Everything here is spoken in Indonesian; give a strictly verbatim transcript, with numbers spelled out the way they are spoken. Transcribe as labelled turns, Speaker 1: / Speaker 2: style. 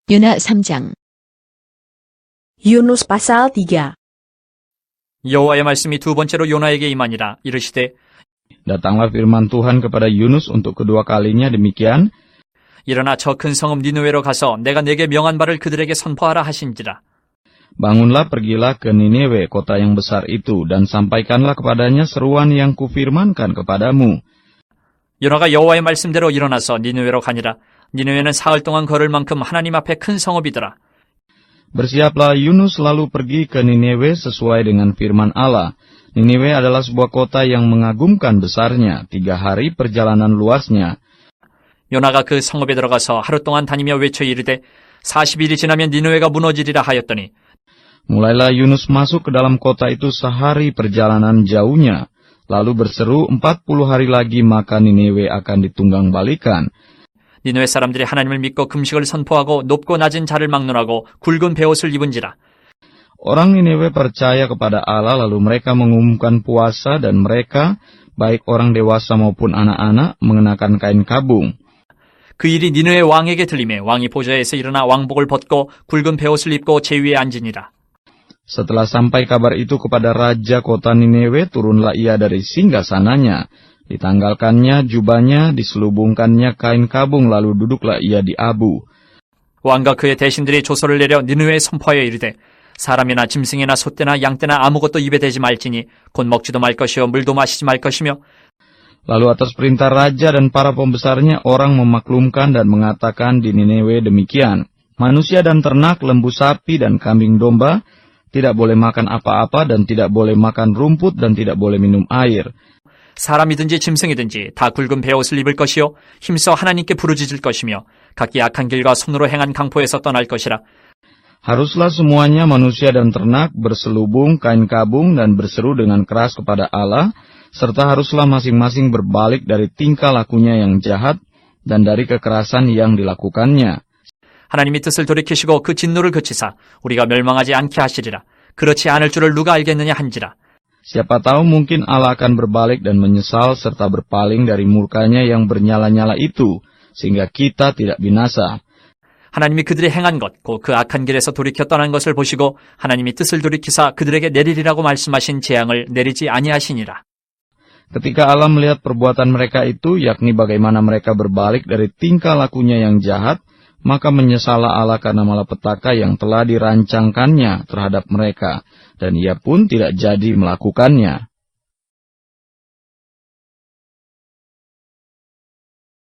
Speaker 1: 요나 삼 장.
Speaker 2: Yunus pasal tiga.
Speaker 3: 여호와의 말씀이 두 번째로 요나에게 임하니라. 이르시되
Speaker 4: Datanglah firman Tuhan kepada Yunus untuk kedua kalinya demikian,
Speaker 3: 일어나 저 큰 성읍 니느웨로 가서 내가 내게 명한 바를 그들에게 선포하라 하신지라.
Speaker 4: Bangunlah, pergilah ke Niniwe, kota yang besar itu, dan sampaikanlah kepadanya seruan yang kufirmankan kepadamu.
Speaker 3: 요나가 여호와의 말씀대로 일어나서 니느웨로 가니라. 니느웨는 사흘 동안 걸을 만큼 하나님 앞에 큰 성읍이더라.
Speaker 4: Bersiaplah Yunus lalu pergi ke Niniwe sesuai dengan firman Allah. Niniwe adalah sebuah kota yang mengagumkan besarnya, tiga hari perjalanan luasnya.
Speaker 3: 요나가 그 성읍에 들어가서 하루 동안 다니며 외쳐 이르되 사십 일이 지나면 니느웨가 무너지리라 하였더니
Speaker 4: Mulailah Yunus masuk ke dalam kota itu sehari perjalanan jauhnya, lalu berseru empat puluh hari lagi maka Niniwe akan ditunggang balikan.
Speaker 3: 니느웨 사람들이 하나님을 믿고 금식을 선포하고 높고 낮은 자를 막론하고 굵은 베옷을 입은지라.
Speaker 4: Orang Niniwe percaya kepada Allah lalu mereka mengumumkan puasa dan mereka, baik orang dewasa maupun anak-anak, mengenakan kain kabung.
Speaker 3: 그 일이 니느웨 왕에게 들리매 왕이 보좌에서 일어나 왕복을 벗고 굵은 베옷을 입고 제 위에 앉으니라.
Speaker 4: Setelah sampai kabar itu kepada raja kota Niniwe, turunlah ia dari singgasananya. Ditanggalkannya jubahnya, diselubungkannya kain kabung, lalu duduklah ia di abu.
Speaker 3: 왕과 그의 대신들이 조서를 내려 니느웨에 선포하여 이르되 사람이나 짐승이나 소떼나 양떼나 아무것도 입에 대지 말지니 곧 먹지도 말 것이요 물도 마시지 말 것이며.
Speaker 4: Lalu atas perintah raja dan para pembesarnya orang memaklumkan dan mengatakan di Niniwe demikian, manusia dan ternak, lembu sapi dan kambing domba tidak boleh makan apa-apa dan tidak boleh makan rumput dan tidak boleh minum air.
Speaker 3: 사람이든지 짐승이든지 다 굵은 베옷을 입을 것이요 힘써 하나님께 부르짖을 것이며 각기 악한 길과 손으로 행한 강포에서 떠날 것이라.
Speaker 4: Haruslah semuanya manusia dan ternak berselubung kain kabung dan berseru dengan keras kepada Allah, serta haruslah masing-masing berbalik dari tingkah lakunya yang jahat dan dari kekerasan yang dilakukannya.
Speaker 3: 하나님이 뜻을 돌이키시고 그 진노를 그치사 우리가 멸망하지 않게 하시리라. 그렇지 않을 줄을 누가 알겠느냐 한지라.
Speaker 4: Siapa tahu mungkin Allah akan berbalik dan menyesal serta berpaling dari murkanya yang bernyala-nyala itu, sehingga kita tidak binasa.
Speaker 3: 하나님이 그들이 행한 것, 곧 그 악한 길에서 돌이켜 떠난 것을 보시고 하나님이 뜻을 돌이키사 그들에게 내리리라고 말씀하신 재앙을 내리지 아니하시니라.
Speaker 4: Ketika Allah melihat perbuatan mereka itu, yakni bagaimana mereka berbalik dari tingkah lakunya yang jahat, maka menyesallah Allah karena malapetaka yang telah dirancangkannya terhadap mereka, dan ia pun tidak jadi melakukannya.